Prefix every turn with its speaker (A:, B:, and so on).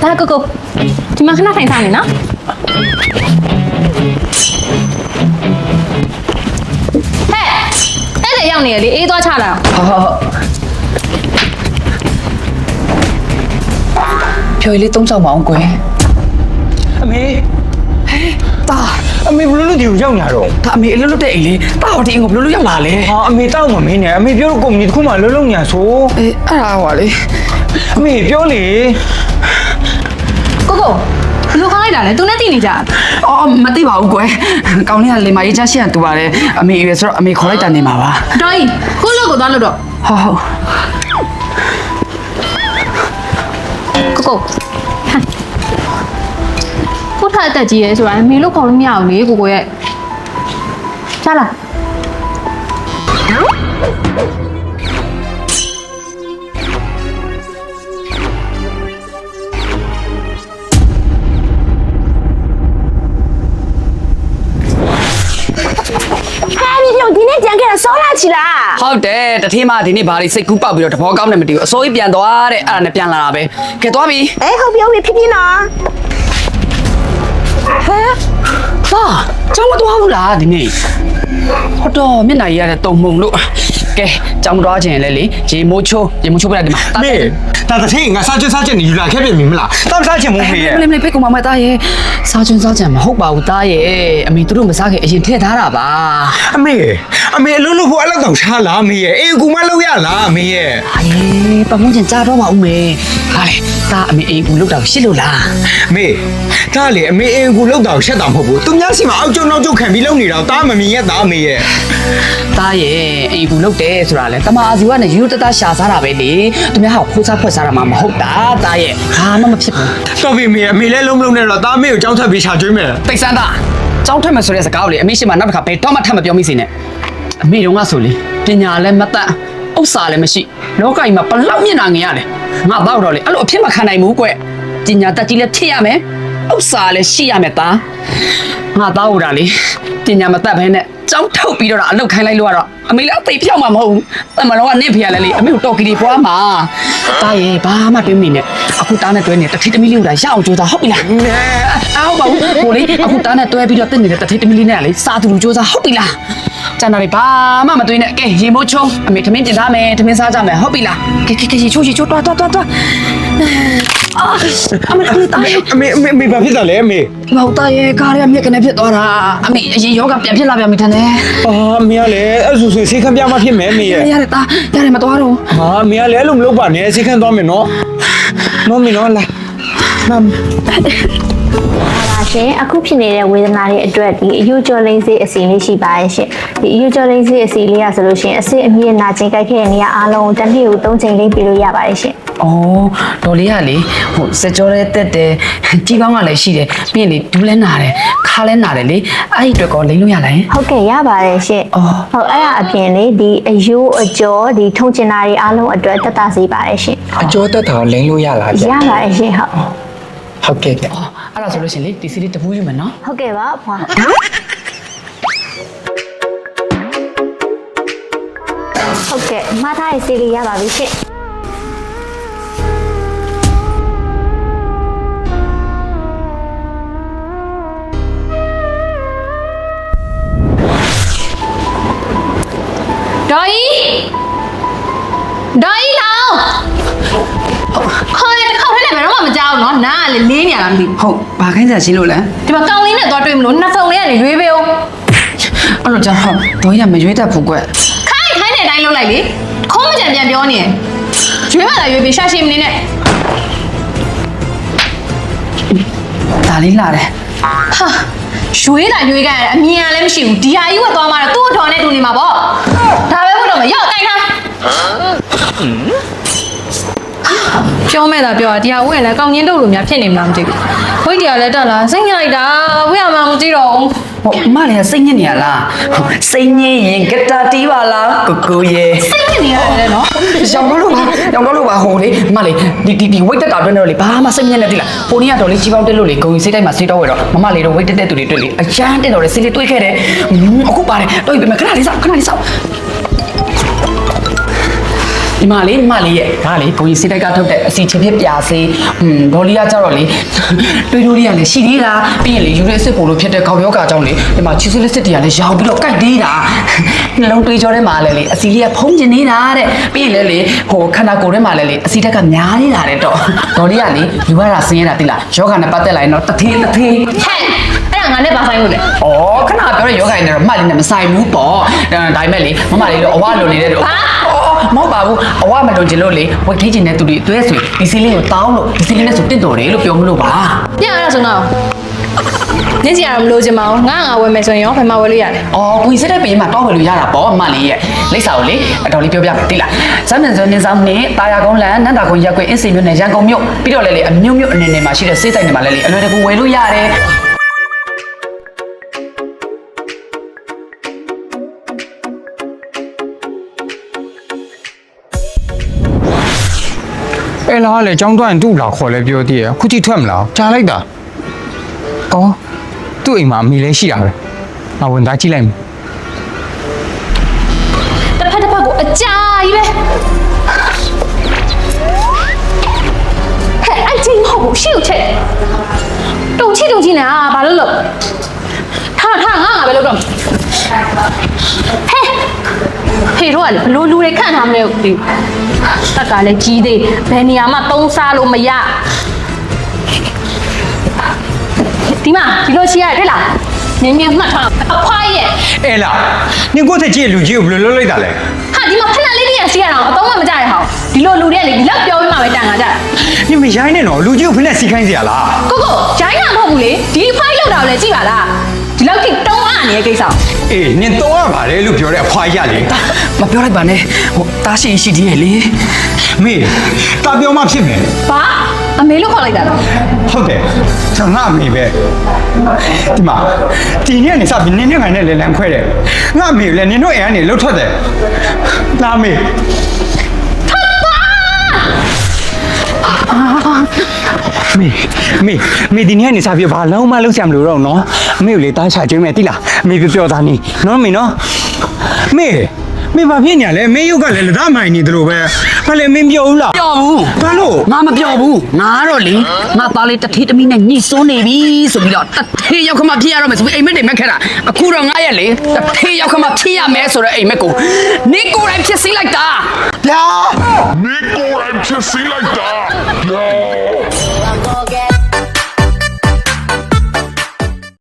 A: ဒါကိုဒီမှာခဏထိုင်စားနေနော်ဟဲ့အဲ့ဒါရောက်နေရလေအေးသွားချတာ
B: ဖြိုရလေးသုံးဆောင်မအောင်ကွယ်
C: အမေတာအမေဘလို့ဒီကိုရောက်နေတော့
B: ဒါအမေအလွတ်လွတ်တဲ့အိမ်လေးတာဟောဒီအိမ်ကိုဘလို့ရောက်လာလဲ
C: ဟာအမေတောက်မမင်းနဲ့အမေပြောတော့ကုမ္ပဏီတစ်ခုမှလုံးလုံးညာဆို
B: အေးအဲ့ဒါဟောလေ
C: အမေပြောလေ
A: ကိုဘလို့ခေါင်းလိုက်တာလဲသူနဲ့တည်နေကြ
B: အော်မသိပါဘူးကွယ်ကောင်းလေးကလေမကြီးချရှိရတူပါတယ်အမေရွယ်ဆိုတော့အမေခေါ်လိုက်တာနေမှာပါ
A: တော်ကြီးကိုလို့ကိုသွားလို့တော့
B: ဟုတ်
A: ကိုထားအသက်ကြီးရဲဆိုတာမေလို့ခေါ်လို့မရဘူးလေကိုရဲ့ချလာ
D: ဒီနေ့ကြံခဲ့တာစောလာချီလား
B: ဟုတ်တယ်တထင်းမဒီနေ့ဘာလို့စိတ်ကူးပေါက်ပြီးတော့တဘောကောင်းနေမသိဘူးအစိုးရပြန်သွားတဲ့အဲ့ဒါနဲ့ပြန်လာတာပဲကဲသွားပြီ
D: ဟုတ်ပြီဖြစ်ဖြစ်နော်
B: ဟဲဟာကျောင်းမသွားဘူးလားဒီနေ့ဟုတ်တော့မျက်နှာရရတဲ့တုံမှုံလို့ကဲကျောင်းမသွားခြင်းလဲလေရေမိုးချိုးပြလိုက်ဒီမှာ
C: မေဒါတထင်းငါစားချက်နေယူလာခဲ့ပြင်ပြီမလားတောက်စားချင်မို့မေရဲ့
B: မလေးဖိတ်ကောင်မသားရဲ့စားချင်မဟုတ်ပါဘူးသားရဲ့အမေတို့မစားခင်အရင်ထည့်ထားတာပါ
C: အမေအလုံးလို့ဖို့အဲ့လောက်တောင်ရှားလားမေရဲ့အေးကူမလောက်ရလားမေရဲ့
B: အေးပတ်မွန်ချင်ကြားတော့ပါဦးမေဟာလေသားအမေအေးကူလောက်တော့ရှစ်လို့လား
C: မေဒါလေအမေအေးကူလောက်တော့ရှက်တာမဟုတ်ဘူးသူများစီမှာအောက်ကျုံနောက်ကျုံခံပြီးလုံနေတော့သားမမြင်ရဲ့သားမေရဲ့
B: သားရဲ့အေးကူလောက်တယ်ဆိုတာလေတမအာစီကနေယူတတရှာစားတာပဲလေသူများဟာခိုးစားဖွက်စားတာမှမဟုတ်တာသားရဲ့ဘာမှမဖြစ်ဘူး
C: တော်ပြီမေအမေလည်းလုံးမလုံးနဲ့တော့သားမေကိုကြောင်းထပ်ပြီးရှာကျွေးမယ်
B: တိတ်ဆန်းသားကြောင်းထက်မယ်ဆိုတဲ့စကားကိုလေအမေရှိမှနောက်တစ်ခါဘယ်တော့မှထပ်မပြောမိစေနဲ့အမေတို့ကဆိုလေပညာလည်းမတတ်ဥစ္စာလည်းမရှိလောကကြီးမှာဘလောက်မျက်နှာငင်ရလဲငါတော့လေအဲ့လိုအဖြစ်မခံနိုင်ဘူးကွပညာတတ်ကြီးလည်းဖြစ်ရမယ်ဥစ္စာလည်းရှိရမယ်သားငါတော့ဟိုတာလေပညာမတတ်ဘဲနဲ့ကြောင်းထုတ်ပြီးတော့အလုတ်ခိုင်းလိုက်လို့ကတော့အမေလည်းအသိဖြောက်မှာမဟုတ်ဘူးတမန်တော်ကနေဖေရလဲလေအမေကိုတော်ကီတွေပွားမှာတားရဲ့ဘာမှတွေးမိနဲ့အခုတားနဲ့တွဲနေတထိတမီလေးကိုလာရအောင်ကြိုးစားဟုတ်ပြီလားအော်ပါဘူးဟိုလေအခုတားနဲ့တွဲပြီးတော့တက်နေတဲ့တထိတမီလေးနဲ့လေစာသူလူကြိုးစားဟုတ်ပြီလားကျန်တာတွေဘာမှမတွေးနဲ့ကဲရေမိုးချုံအမေထမင်းပြင်ထားမယ်ထမင်းစားကြမယ်ဟုတ်ပြီလားကဲရေချိုးတွားအ
C: မေဘာဖြစ်တာလဲအမေ
B: မောက်သားရဲ့ကားရမြက်ကနေဖြစ်သွားတာအမေအရင်ယောဂပြန်ဖြစ်လာပြန်ပြီထန်တယ်
C: အမေကလည်းအဲ့ဆိုဆေးခန်းပြမဖြစ်မယ်အမေရဲ့
B: ရတယ်မသွားတော့
C: အမေကလည်းအဲ့လိုမလုပ်ပါနဲ့ဆေးခန်းသွားမယ်နော်မေနော်လာမမ်
D: ပါရှင်အခုဖြစ်နေတဲ့ဝေဒနာတွေအတွက်ဒီအယူကျော်လိမ့်စေးအစီလေးရှိပါရဲ့ရှင်ဒီအယူကျော်လိမ့်စေးအစီလေးရဆိုလို့ရှိရင်အစစ်အမြင့်နာကျင်ကြိုက်ခဲ့တဲ့နေရာအားလုံးတစ်နေ့ကို3ချိန်လိမ့်ပြလို့ရပါတယ်ရှင်
B: အော်ဒေါ်လေးကလေဟိုစကြောလေးတက်တယ်ကြီးပေါင်းကလည်းရှိတယ်ပြီးရင်လေဒူးလဲနာတယ်ခါလဲနာတယ်လေအဲ့ဒီအတွက်ကောလိမ့်လို့ရလား
D: ဟုတ်ကဲ့ရပါတယ်ရှင်ဟုတ်အဲ့ဒါအပြင်လေဒီအယူအကျော်ဒီထုံချင်တာတွေအားလုံးအတွက်တက်တာစေပါတယ်ရှင်
C: အကျော်တက်တာလိမ့်လို့ရလား
D: ရပါတယ်ရှင်
C: ဟုတ်ကဲ့
B: အဲ့ဒါဆိုလို့ရှင်လေဒီစီလေးတပူးယူမယ်နော်
D: ဟုတ်ကဲ့ပါဖွာဟုတ်ကဲ့မထားရေးစီလေးရပါပြီရှင်
A: ဒေါ်ကြီးလောင်ခေါ်ရတဲ့ခေါက်ထဲနဲ့ဘယ်တော့မှမကြောက်နော်နားကလေလေးနေရတာမသိဘူး
B: ဟုတ်ဘာခိုင်းစားရှင်းလို့လဲ
A: ဒီမှာကောင်လေးနဲ့သွားတွေ့မလို့နှစ်ဖုံလေးကနေရွေးပေးအောင်
B: အဲ့လိုကြောင့်ဟုတ်ဒေါ်ကြီးကမရွေးတတ်ဘူးကွ
A: ခိုင်းတဲ့အတိုင်းလုပ်လိုက်လေခုံးမကြံပြန်ပြောနေရင်ရွေးမှလာရွေးပေးရှာရှည်မနေနဲ့
B: ဒါလေးလာတယ်
A: ဟာရွေးလိုက်ရွေးကြရတယ်အမြင်ကလည်းမရှိဘူးဒီဟာကြီးဝတ်သွားမှတော့သူ့အထော်နဲ့တူနေမှာပေါ့ဒါပဲဘုတော့မရောက်တိုင်းထားပြောမဲ့တာပြောတာဒီဟာဝင့်လည်းကောင်းချင်းတုတ်လိုများဖြစ်နေမှမသိဘူးဝိတ်တရားလည်းတက်လာစိတ်ညစ်လိုက်တာဝင့်ရမှမကြည့်တော့ဘူး
B: ဟိုအမလည်းစိတ်ညစ်နေရလားစိတ်ညစ်ရင်ဂတာတီးပါလားကိုရဲ့
A: စိတ်ညစ်နေရတယ်နော်
B: ရောင်တော့လို့ပါဟိုလေအမလေးဒီဝိတ်တက်တာတွင်းတော့လေဘာမှစိတ်ညစ်နေတိလားဟိုနေ့ကတော့လေကြီးပေါင်းတက်လို့လေဂုံစိတ်တိုင်းမှာစိတ်တော့ဝဲတော့မမလေးတော့ဝိတ်တက်သူတွေတွေ့လေအချမ်းတက်တော့လေစိတ်လေးတွေးခဲ့တယ်အခုပါတယ်တွေ့ပြီမခဏလေးစောက်ဒီမှာလေရဲ့ဒါလေဘုံကြီးစိတ်တိုက်ကထုတ်တဲ့အစီချင်ဖြစ်ပြစေဒေါ်လီကကြတော့လေတွေးတိုးလေးကလည်းရှိသေးတာပြီးရင်လေယူရဲစစ်ပို့လို့ဖြစ်တဲ့ခေါင်းယောဂါကြောင့်လေဒီမှာချီဆူလက်စစ်တွေကလည်းရောင်ပြီးတော့ကြိုက်သေးတာနှလုံးတွေးကြောထဲမှာလည်းလေအစီလေးကဖုံးကျင်နေတာတဲ့ပြီးရင်လေဟိုခန္ဓာကိုယ်ထဲမှာလည်းလေအစီတက်ကများနေတာတဲ့တော့ဒေါ်လီကလေယူရတာဆင်းရတာတိလားယောဂါနဲ့ပတ်သက်လာရင်တော့တထေး
A: ဟဲ့အဲ့ဒါငါနဲ့ဘာဆိုင်လို့လဲ
B: ။အော်ခဏပြောတဲ့ယောဂိုင်းနဲ့တော့မှတ်လေးနဲ့မဆိုင်ဘူးပေါ့။ဒါပေမဲ့လေမမလေးတော့အဝလွန်နေတဲ့တော့မဟုတ်ပါဘူးအဝမလွန်ချင်လို့လေဝက်ထိချင်တဲ့သူတွေအတွဲဆွေဒီစီလေးကိုတောင်းလို့ဒီစီလေးနဲ့ဆိုတင့်တော်တယ်လို့ပြောမလို့ပါ
A: ပြရတာဆိုတော့ညစီရတော့မလို့ချင်ပါဘူးငါဝယ်မယ်ဆိုရင်ရောဘယ်မှာဝယ်လို့ရလဲ
B: ။အော်ကိုကြီးစတဲ့ပေးမှာတော့ဝယ်လို့ရတာပေါ့မလေးရဲ့လိပ်စာကိုလေအတော်လေးပြောပြမယ်တိလား။စမ်းမန်စွန်းနေဆောင်နဲ့တာယာကုန်းလန်နန္တာကုန်းရက်ကွေအင်းစင်မြို့နယ်ရန်ကုန်မြို့ပြီးတော့လေအမျိုးမျိုးအနေနဲ့မှာရှိတဲ့စေးဆိုင်တွေမှာလည်းအလွယ်တကူဝယ်လို့ရတယ်။
C: အဲ့လားလေចောင်းတွိုင်းတူလာခေါ်လဲပြောသေးရခုကြည့်ထွက်မလားကြားလိုက်တာအော်သူ့အိမ်မှာအမိလဲရှိတာပဲငါဝင်သားကြည့်လိုက်မယ်
A: တစ်ဖက်ကိုအကြာကြီးပဲဟဲ့အဲ့ချင်းမဟုတ်ဘူးရှေ့ကိုချက်တုံချိနေတာဘာလို့လို့ထားငါပဲလို့တော့ဟဲ့ဖေတို့ကလေဘလို့လူတွေခန့်ထားမလဲဒီတက်ကလည်းကြီးသေးဘယ်နေရာမှသုံးစားလို့မရဒီမှာဒီလိုချီရတယ်တဲ့လားနင်းမှတ်ထားအဖွားရဲ့
C: အဲ့လားနင်ကိုယ့်ထက်ကြည့်လူကြီးကိုဘယ်လိုလုပ်လိုက်တာလဲ
A: ဟာဒီမှာဖက်လက်လေးတွေကစီးရအောင်အသုံးမကြရဟောင်းဒီလိုလူတွေကလေဒီလောက်ပြောပြီးမှပဲတန်ခါကြတာ
C: နင်မရိုင်းနဲ့တော့လူကြီးကိုဖက်နဲ့စီခိုင်းစီရလား
A: ကိုဂျိုင်းတာမဟုတ်ဘူးလေဒီဖိုင်လောက်တာကိုလည်းကြည့်ပါလားဒီလောက်ထိတုံးအားနေတဲ့ကိစ္စ
C: အေးနင်တော့ရပါတယ်လို့ပြောတဲ့အဖွားရလေ
B: မပြောလိုက်ပါနဲ့ဟိုတားရှိရှိသေးရဲ့လေ
C: မေတာပြောမှဖြစ်မယ်
A: ဘာအမေလို့ခေါ်လိုက်တာလား
C: ဟုတ်တယ်ကျွန်တော်ငါအမေပဲဒီမှာဒီနေ့ကနေစပြီးနင်နဲ့ငါနဲ့လေလန်ခွဲတယ်ငါအမေလည်းနင်တို့အိမ်ကနေလှုပ်ထွက်တယ်လာမေမေဒီနေ့ကနေစပြီးဘာလုံးမလုံးဆရာမလို့တော့နော်အမေကိုလေတားချကျွေးမယ်တိလားအမေပြောသားနေနော်မေနော်မေဘာဖြစ်နေလဲမေရုပ်ကလည်းလက်သမိုင်နေတယ်လို့ပဲဘာလဲမင်းပြောဘူးလား
B: ပြောဘူး
C: ဘာလို့
B: ငါမပြောဘူးငါတော့လေငါသားလေးတထေးတမီးနဲ့ညှိစွန်းနေပြီဆိုပြီးတော့တထေးရောက်ခမဖြစ်ရတော့မယ်ဆိုပြီးအိမ်မက်တွေမက်ခဲ့တာအခုတော့ငါရဲ့လေတထေးရောက်ခမဖြစ်ရမယ်ဆိုတော့အိမ်မက်ကိုနေကိုယ်တိုင်ဖြစ်စီလိုက်တာ
C: ဗျာ
E: Nico and Jesse like that. No.